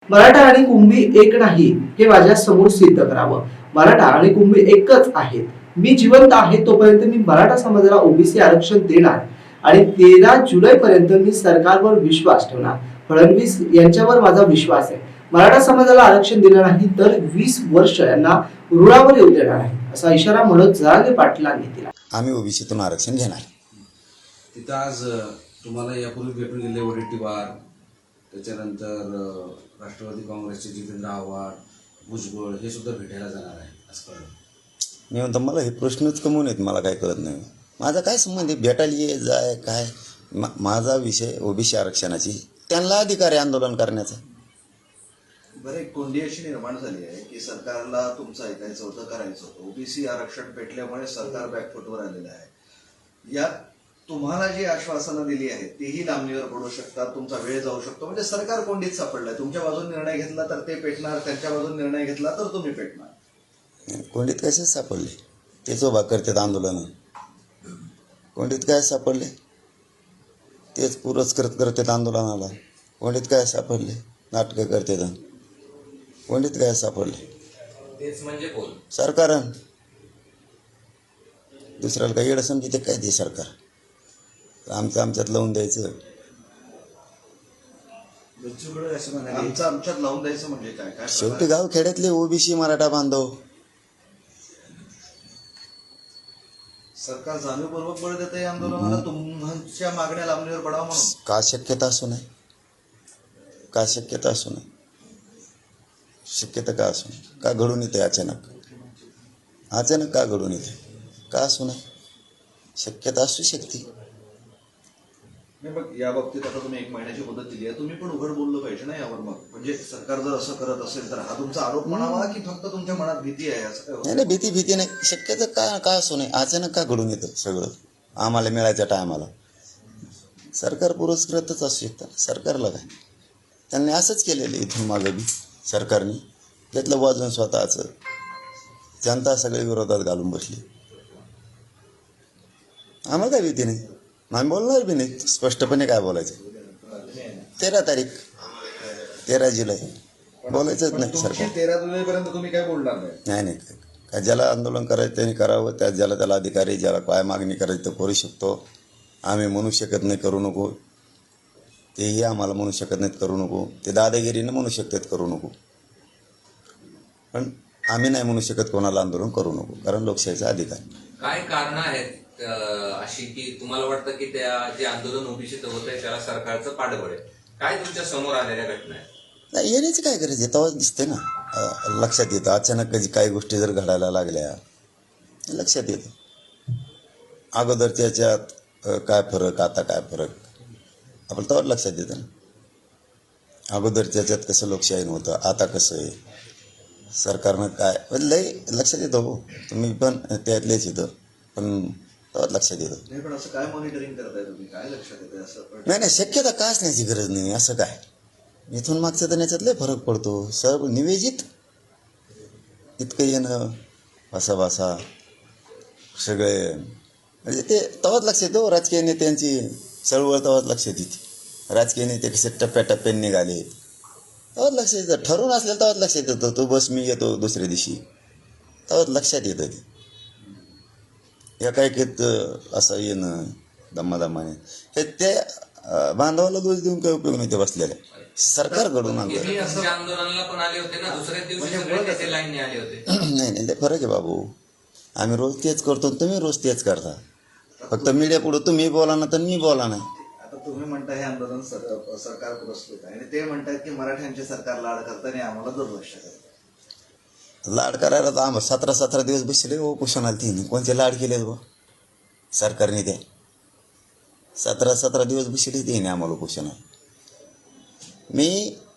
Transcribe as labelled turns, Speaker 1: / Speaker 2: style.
Speaker 1: मराठा आणि कुंभी एक नाही हे माझ्या समोर सिद्ध करावं. मराठा आणि कुंभी एकच आहेत. मी जिवंत आहे तोपर्यंत मी मराठा समाजाला ओबीसी आरक्षण देणार आणि 13 जुलै पर्यंत मी सरकारवर विश्वास ठेवणार. फडणवीस यांच्यावर माझा विश्वास आहे. मराठा समाजाला आरक्षण दिलं नाही तर 20 वर्ष यांना रुळावर येऊ देणार आहे, असा इशारा मनोज जरांगे पाटलांनी दिला.
Speaker 2: आम्ही ओबीसीतून आरक्षण घेणार.
Speaker 3: तिथं आज तुम्हाला यापूर्वी भेटून गेले वडेट्टीवार, त्याच्यानंतर राष्ट्रवादी काँग्रेसचे जितेंद्र आव्हाड, भुजबळ हे सुद्धा भेटायला जाणार आहे असं कळलं.
Speaker 2: मी म्हणतो मला हे प्रश्नच कमवून आहेत, मला काय कळत नाही. माझा काय संबंध आहे भेटायला ये जाय काय. माझा विषय ओबीसी आरक्षणाची, त्यांना अधिकार आहे आंदोलन करण्याचा.
Speaker 4: बरं, एक कोंडी अशी निर्माण झाली आहे की सरकारला तुमचं ऐकायचं होतं, करायचं होतं. ओबीसी आरक्षण पेटल्यामुळे सरकार बॅकफुटवर आलेलं आहे. यात तुम्हाला जी आश्वासनं दिली आहेत तीही लांबणीवर पडू शकतात, तुमचा वेळ जाऊ शकतो. म्हणजे सरकार कोंडीत सापडलाय. तुमच्या बाजून निर्णय घेतला तर ते पेटणार, त्यांच्या बाजून निर्णय घेतला तर तुम्ही पेटणार.
Speaker 2: कोंडीत कसे सापडले? तेच उभा करतात आंदोलन. कोंडीत काय सापडले? तेच पुरस्कृत करतात आंदोलनाला. कोंडीत काय सापडले? नाटकं करतात. कोंडीत काय सापडले?
Speaker 5: तेच म्हणजे कोण?
Speaker 2: सरकार. दुसऱ्याला काही येडं समजते काय ते सरकार. आमचं आमच्यात लावून द्यायचं.
Speaker 4: आमचं आमच्यात लावून द्यायचं म्हणजे काय? काय
Speaker 2: शेवटी गाव खेड्यातले ओबीसी मराठा बांधव.
Speaker 4: सरकार जाणीवपूर्वक बळ देत आहे आंदोलनाला, तुमच्या मागण्या लांबणीवर पडावं म्हणून.
Speaker 2: का शक्यता असू नये? का शक्यता असू नये? शक्यता का असू नये? का घडून येते अचानक? अचानक का घडून येते? का असू नये? शक्यता असू शकते.
Speaker 4: नाही, मग या बाबतीत आता तुम्ही 1 महिन्याची मुदत दिली आहे, तुम्ही पण उघड बोललं पाहिजे ना यावर. मग म्हणजे सरकार जर असं करत असेल तर हा तुमचा आरोप म्हणावा की फक्त तुमच्या मनात भीती आहे असं काय?
Speaker 2: नाही, भीती नाही. शक्यता का असू नये? अचानक का घडून येतं सगळं आम्हाला मिळायच्या टायमाला? सरकार पुरस्कृतच असू शकतं. सरकारला काय, त्यांनी असंच केलेलं इथून मागं बी. सरकारने घेतलं वाजून स्वतःचं. जनता सगळे विरोधात घालून बसली. आम्हाला काय भीती नाही. आम्ही बोलणार बी नाही. स्पष्टपणे काय बोलायचं? 13 तारीख 13 जुलै बोलायचंच नाही. सरकार
Speaker 4: 13 जुलैपर्यंत तुम्ही काय बोलणार नाही?
Speaker 2: नाही काय ज्याला आंदोलन करायचं त्यांनी करावं. ज्याला त्याला अधिकारी, ज्याला काय मागणी करायची तर करू शकतो. आम्ही म्हणू शकत नाही करू नको. तेही आम्हाला म्हणू शकत नाहीत करू नको. ते दादागिरीनं म्हणू शकतात करू नको. पण आम्ही नाही म्हणू शकत कोणाला आंदोलन करू नको, कारण लोकशाहीचा अधिकार.
Speaker 5: काय कारण आहेत अशी की तुम्हाला वाटतं की त्या जे आंदोलन ओबीसीत होत आहे त्याला सरकारचं पाठबळ आहे? काय तुमच्या समोर आलेल्या घटना आहेत?
Speaker 2: नाही, येण्याची काय गरज आहे? तेव्हाच दिसते ना, लक्षात येतं. अचानक काही गोष्टी जर घडायला लागल्या लक्षात येतं. अगोदर त्याच्यात काय फरक, आता काय फरक, आपण तेव्हाच लक्षात येतं ना. अगोदर त्याच्यात कसं लोकशाहीनं होतं, आता कसं आहे, सरकारनं काय लय लक्षात येतं. हो, तुम्ही पण त्यातलेच येतं, पण तेव्हाच लक्षात येतं.
Speaker 4: नाही, पण असं काय मॉनिटरिंग करताय तुम्ही? काय लक्षात येतं असं?
Speaker 2: नाही, शक्यता का असण्याची गरज नाही. असं काय इथून मागचं तर याच्यात लय फरक पडतो. सर्व निवेदित इतकं येणं भासा सगळे म्हणजे ते तेव्हाच लक्षात येतो. राजकीय नेत्यांची चळवळ तेव्हाच लक्षात येते. राजकीय नेते कसे टप्प्याटप्प्याने निघाले तेव्हाच लक्षात येतं. ठरवून असलेलं तेव्हाच लक्षात येतं. तो बस मी येतो दुसऱ्या दिवशी, तेव्हाच लक्षात येतं. ते एकाएकीत असं येणं दमादमाने हे ते बांधवाला दोष देऊन काही उपयोग नाही. ते बसलेले सरकार घडून आणतं.
Speaker 5: आंदोलनाला पण आले होते ना, दुसऱ्या दिवशी सगळे नेते लाईनने आले होते.
Speaker 2: नाही, ते फरक आहे बाबू. आम्ही रोज तेच करतो, तुम्ही रोज तेच करता. फक्त मीडिया पुढं तुम्ही बोला ना तर मी बोला नाही.
Speaker 4: आता तुम्ही म्हणता हे आंदोलन सरकार पुरस्कृत आहे आणि ते म्हणतात की मराठ्यांचे सरकार लाड करताना आम्हाला दुर्लक्ष करतात.
Speaker 2: लाड करायला तर आम्हाला 17 दिवस बसले हो कुशनाला. तिने कोणते लाड केले बा सरकारने? ते 17 दिवस बसले तिने आम्हाला कुशनाला. मी